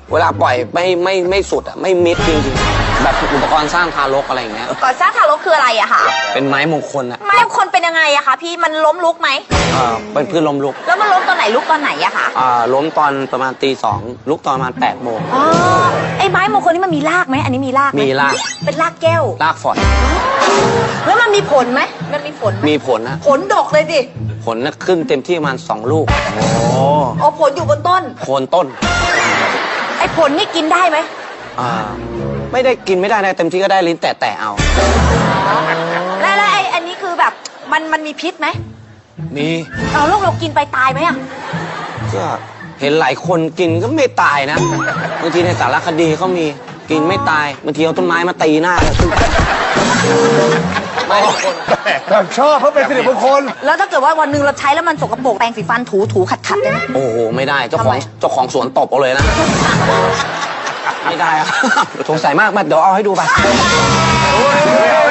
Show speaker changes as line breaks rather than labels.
เวลาปล่อยไม่สุดอ่ะไม่มิดจริงๆแบบอุปกรณ์สร้างทารกอะไรอย่างเงี้ย
ก่อนสร้างทารกคืออะไรอะคะ
เป็นไม้มงคลอ่ะ
ไม้คนเป็นยังไงอะคะพี่มันล้มลุกไหม
เป็นพืชล้มลุก
แล้วมันล้มตอนไหนลุกตอนไหนอะคะ
ล้มตอนประมาณตี 2ลุกตอนประมาณ8 โมง
อ๋อไอ้ไม้มงคลนี่มันมีรากไหมอันนี้มีรากไห
มีราก
เป็นรากแก้ว
รากฝอย
แล้วมันมีผลไหมมันมีผลไหม
มีผลนะ
ผลดกเลยดิ
ผลนะขึ้นเต็มที่ประมาณ2 ลูก
อ๋อผลอยู่บนต้น
โคนต้น
ไอ้ผลนี่กินได้ไหม
ไม่ได้กินไม่ได้นะเต็มที่ก็ได้ลิ้นแตะเอา
แล้วไอ้อันนี้คือแบบมันมีพิษไหม
มี
เอาลูกเรากินไปตายไหมอะ
ก็เห็นหลายคนกินก็ไม่ตายนะบางทีในสารคดีเขามีกินไม่ตายบางทีเอาต้นไม้มาตีหน้าไม่
แบบชอบเพราะเป็นสิริมงคล
แล้วถ้าเกิดว่าวันหนึงเราใช้แล้วมันสกปรกแปรงสีฟันถูขัดได้ไหม
โอ้โหไม่ได้เจ้า
ทำ
ขอ
ไม
งเจ้าของสวนตบเอาเลยนะ ไม่ได้อะสงสัยมากมาเดี๋ยวเอาให้ดูไป